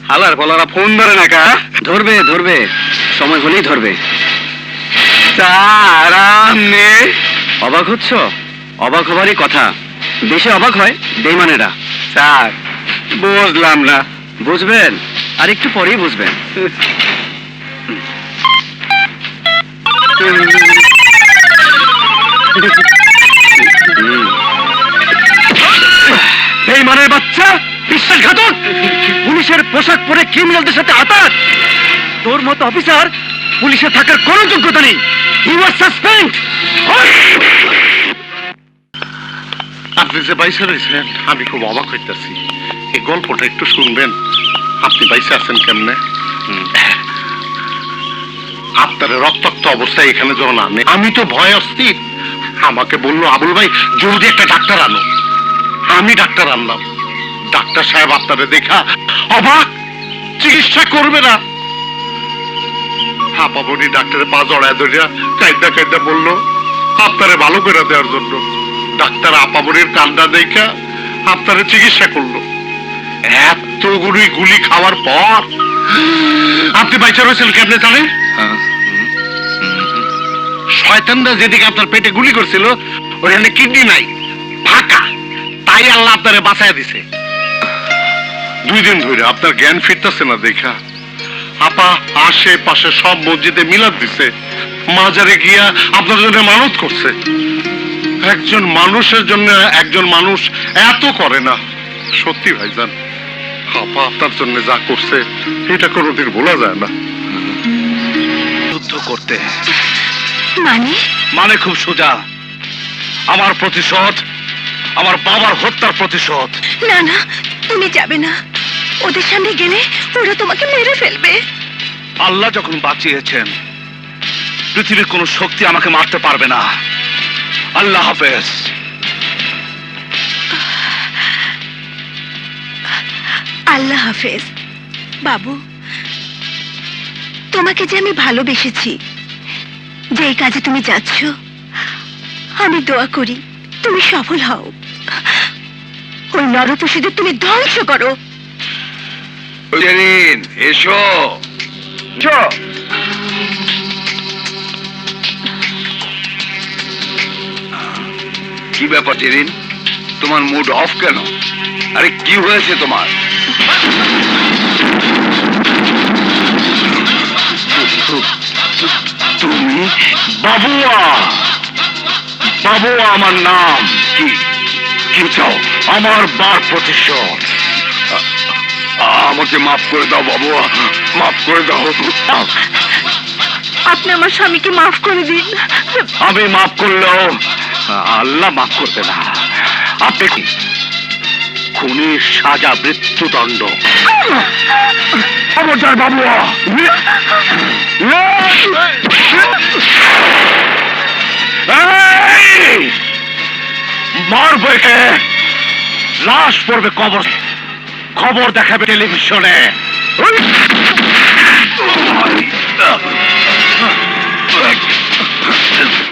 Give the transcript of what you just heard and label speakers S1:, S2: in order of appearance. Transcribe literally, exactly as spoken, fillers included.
S1: হালার বলারা ফোন ধরে না কা? ধরবে ধরবে, সময় হলেই ধরবে। আরামে অবাক হচ্ছ? অবাক হবারই কথা। দেশে অবাক হয় বেইমানেরা। স্যার বুঝলাম না। বুঝবেন, আর একটু পরেই বুঝবেন। বেইমানের বাচ্চা, বিশ্বাসঘাতক, পুলিশের পোশাক পরে ক্রিমিনালদের সাথে আতাত। তোর মতো অফিসার পুলিশে থাকার কোনো যোগ্যতা নেই। You are suspend.
S2: আপনি যে বাইসে রয়েছেন আমি খুব অবাক হইতেছি। এই গল্পটা একটু শুনবেন? আপনি বাইসে আছেন কেমনে? আপনার রক্তাক্ত অবস্থায় এখানে যখন আনে আমি তো ভয় অস্থির। আমাকে বললো আবুল ভাই জলদি একটা ডাক্তার আনো। আমি ডাক্তার আনলাম। ডাক্তার সাহেব আপনারে দেখা অবাক, চিকিৎসা করবে না। হাঁপাবনি ডাক্তারের পা জড়ায় ধরিয়া কাইদা কাইদা বললো আপনারে ভালো করে দেওয়ার জন্য। ডাক্তার আপামনির কান্না দেখা আপনারে চিকিৎসা করলো। এতগুলি গুলি খাওয়ার পর আপনি বাইচা রয়েছেন কেমনে জানেন? শয়তানরা যেদিকে আপনার পেটে গুলি করছিল ওখানে কিডনি নাই, ফাঁকা। তাই আল্লাহ আপনারে বাঁচায় দিছে। দুই দিন ধরে আপনার জ্ঞান ফিরতেছে না দেখা আপা আশেপাশে সব মসজিদে মিলাদ দিছে, মাজারে গিয়া আপনার জন্য মানত করছে। একজন মানুষের জন্য একজন মানুষ এত করে না। সত্যি ভাইজান, আপা আপনার জন্য যা করছে এটা কোনোদিন ভোলা যায় না।
S1: যুদ্ধ করতে
S3: মানে
S1: মানে খুব সোজা। আমার প্রতিশোধ, আমার বাবার হত্যার প্রতিশোধ।
S3: না না, তুমি যাবে না। ওদের সামনে গেলে ওরা তোমাকে মেরে ফেলবে।
S1: আল্লাহ যখন বাঁচিয়েছেন, পৃথিবীর কোন শক্তি আমাকে মারতে পারবে না। আল্লাহ হাফেজ।
S3: আল্লাহ হাফেজ। বাবু, তোমাকে যে আমি ভালোবেসেছি, যে এই কাজে তুমি যাচ্ছ, আমি দোয়া করি তুমি সফল হও। ওই নরপশুদের তুমি ধ্বংস করো।
S1: জেরিন, এসো এসো। কি ব্যাপার জেরিন, তোমার মুড অফ কেন? আরে কি হয়েছে তোমার? তুমি বাবুয়া? বাবুয়া আমার নাম। কি কি চাও? আমার বার প্রতিশোধ। আমাকে মাফ করে দাও বাবুয়া, মাফ করে দাও।
S3: আপনি আমার স্বামীকে মাফ করে দিন।
S1: আমি মাফ করলেও আল্লাহ মাফ করবে না। আপনি কি খুনির সাজা মৃত্যুদণ্ড। খবরদার বাবুয়া। মারবে কে? লাশ পড়বে কবর, খবর দেখাবে টেলিভিশনে।